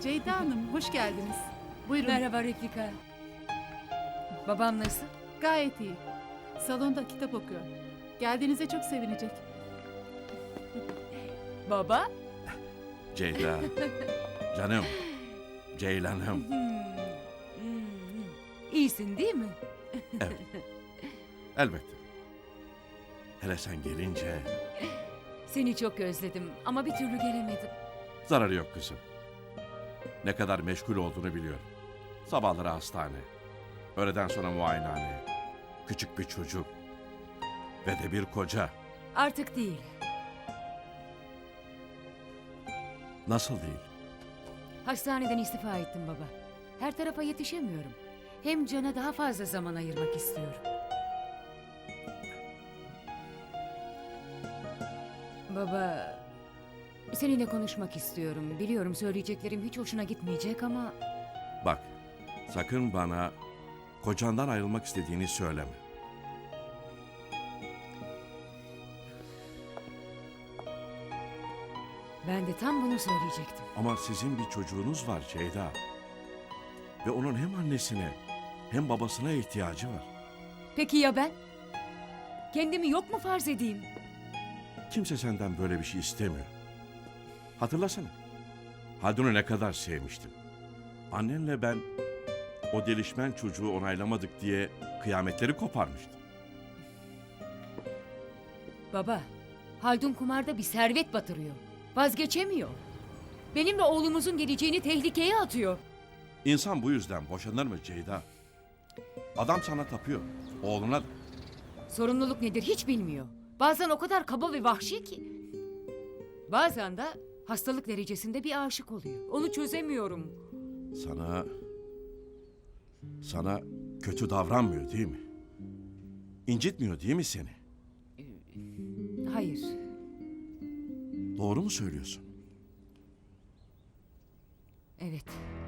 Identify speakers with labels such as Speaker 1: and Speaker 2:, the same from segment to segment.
Speaker 1: Ceyda Hanım, hoş geldiniz. Buyurun.
Speaker 2: Merhaba Refika. Babam nasıl?
Speaker 1: Gayet iyi. Salonda kitap okuyor. Geldiğinize çok sevinecek.
Speaker 2: Baba?
Speaker 3: Ceyda. Canım. Ceylanım.
Speaker 2: İyisin değil mi?
Speaker 3: Evet. Elbette. Hele sen gelince
Speaker 2: Seni çok özledim ama bir türlü gelemedim.
Speaker 3: zararı yok kızım. Ne kadar meşgul olduğunu biliyorum. Sabahları hastane. Öğleden sonra muayenehane. Küçük bir çocuk. Ve de bir koca.
Speaker 2: Artık değil.
Speaker 3: Nasıl değil?
Speaker 2: Hastaneden istifa ettim baba. Her tarafa yetişemiyorum. Hem Can'a daha fazla zaman ayırmak istiyorum. Baba, seninle konuşmak istiyorum. Biliyorum söyleyeceklerim hiç hoşuna gitmeyecek ama...
Speaker 3: Bak, sakın bana kocandan ayrılmak istediğini söyleme.
Speaker 2: Ben de tam bunu söyleyecektim.
Speaker 3: Ama sizin bir çocuğunuz var Ceyda. Ve onun hem annesine hem babasına ihtiyacı var.
Speaker 2: Peki ya ben? Kendimi yok mu farz edeyim?
Speaker 3: Kimse senden böyle bir şey istemiyor. Hatırlasana. Haldun'u ne kadar sevmiştim. Annenle ben o delişmen çocuğu onaylamadık diye kıyametleri koparmıştım.
Speaker 2: Baba, Haldun kumarda bir servet batırıyor. Vazgeçemiyor. Benimle oğlumuzun geleceğini tehlikeye atıyor.
Speaker 3: İnsan bu yüzden boşanır mı Ceyda? Adam sana tapıyor. Oğluna da.
Speaker 2: Sorumluluk nedir hiç bilmiyor. Bazen o kadar kaba ve vahşi ki. Bazen de hastalık derecesinde bir aşık oluyor. Onu çözemiyorum.
Speaker 3: Sana kötü davranmıyor değil mi? İncitmiyor değil mi seni?
Speaker 2: Hayır.
Speaker 3: Doğru mu söylüyorsun?
Speaker 2: Evet.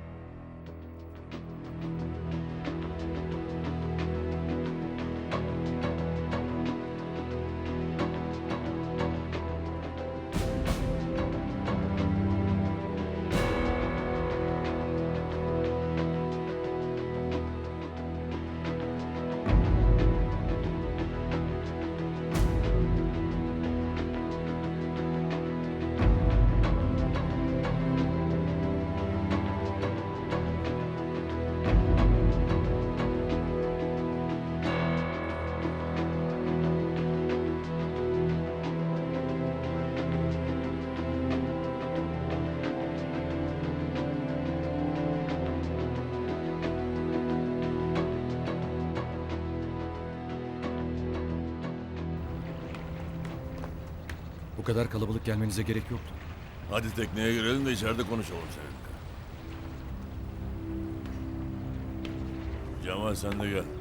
Speaker 4: Bu kadar kalabalık gelmenize gerek yoktu.
Speaker 5: Hadi tekneye girelim de içeride konuşalım seninle. Cemal sen de gel.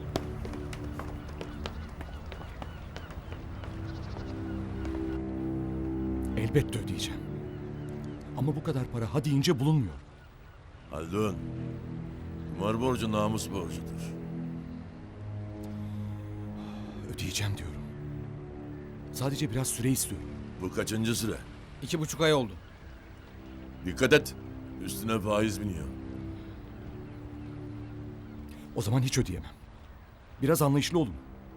Speaker 4: Elbette ödeyeceğim. Ama bu kadar para ha deyince bulunmuyor.
Speaker 5: Haldun, kumar borcu namus borcudur.
Speaker 4: Ödeyeceğim diyorum. Sadece biraz süre istiyorum.
Speaker 5: Bu kaçıncı süre?
Speaker 4: 2,5 ay oldu.
Speaker 5: Dikkat et, üstüne faiz biniyor.
Speaker 4: O zaman hiç ödeyemem. Biraz anlayışlı olun.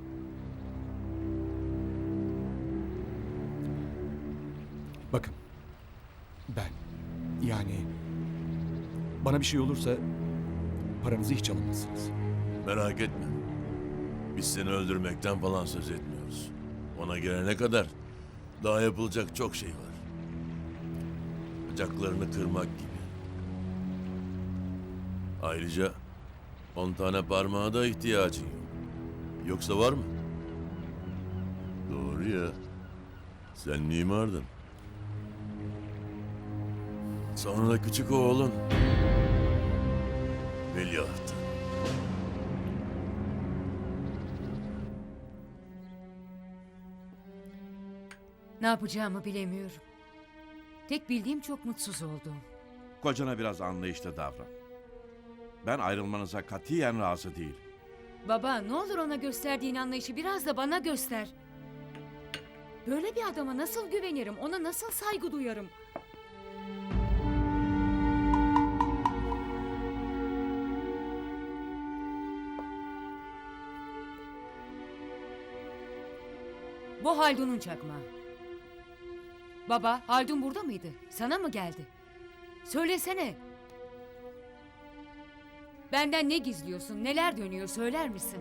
Speaker 4: Bakın. Ben, yani bana bir şey olursa paranızı hiç alamazsınız.
Speaker 5: Merak etme. Biz seni öldürmekten falan söz etmiyoruz. Ona gelene kadar daha yapılacak çok şey var. Bacaklarını kırmak gibi. Ayrıca 10 tane parmağa da ihtiyacın yok. Yoksa var mı? Doğru ya. Sen mimardın. Sonra küçük oğlun veliahtı.
Speaker 2: Ne yapacağımı bilemiyorum. Tek bildiğim çok mutsuz oldum.
Speaker 3: Kocana biraz anlayışlı davran. Ben ayrılmanıza katiyen razı değilim.
Speaker 2: Baba ne olur ona gösterdiğin anlayışı biraz da bana göster. Böyle bir adama nasıl güvenirim? Ona nasıl saygı duyarım? Bu Haldun'un çakmağı. Baba, Haldun burada mıydı? Sana mı geldi? Söylesene. Benden ne gizliyorsun? Neler dönüyor söyler misin?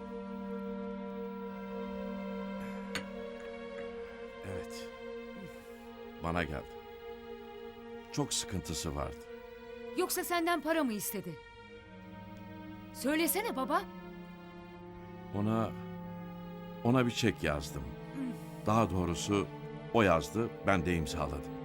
Speaker 3: Evet. Bana geldi. Çok sıkıntısı vardı.
Speaker 2: Yoksa senden para mı istedi? Söylesene baba.
Speaker 3: Ona bir çek yazdım. Daha doğrusu o yazdı, ben de imzaladım.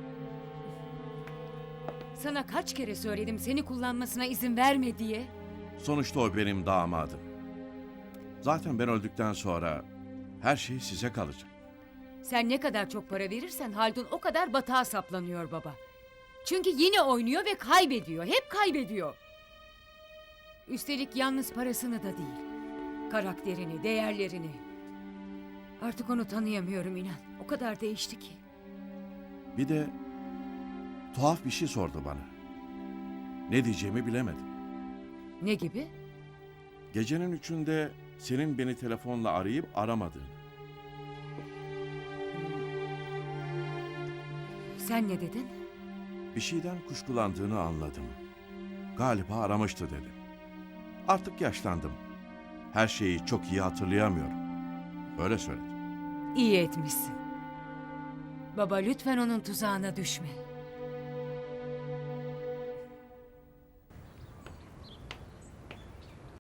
Speaker 2: Sana kaç kere söyledim seni kullanmasına izin verme diye.
Speaker 3: Sonuçta o benim damadım. Zaten ben öldükten sonra her şey size kalacak.
Speaker 2: Sen ne kadar çok para verirsen Haldun o kadar batağa saplanıyor baba. Çünkü yine oynuyor ve kaybediyor. Hep kaybediyor. Üstelik yalnız parasını da değil. Karakterini, değerlerini. Artık onu tanıyamıyorum inan. O kadar değişti ki.
Speaker 3: Bir de tuhaf bir şey sordu bana. Ne diyeceğimi bilemedim.
Speaker 2: Ne gibi?
Speaker 3: Gecenin 3'ünde senin beni telefonla arayıp aramadığını.
Speaker 2: Sen ne dedin?
Speaker 3: Bir şeyden kuşkulandığını anladım. Galiba aramıştı dedi. Artık yaşlandım. Her şeyi çok iyi hatırlayamıyorum. Öyle söyledi.
Speaker 2: İyi etmişsin. Baba lütfen onun tuzağına düşme.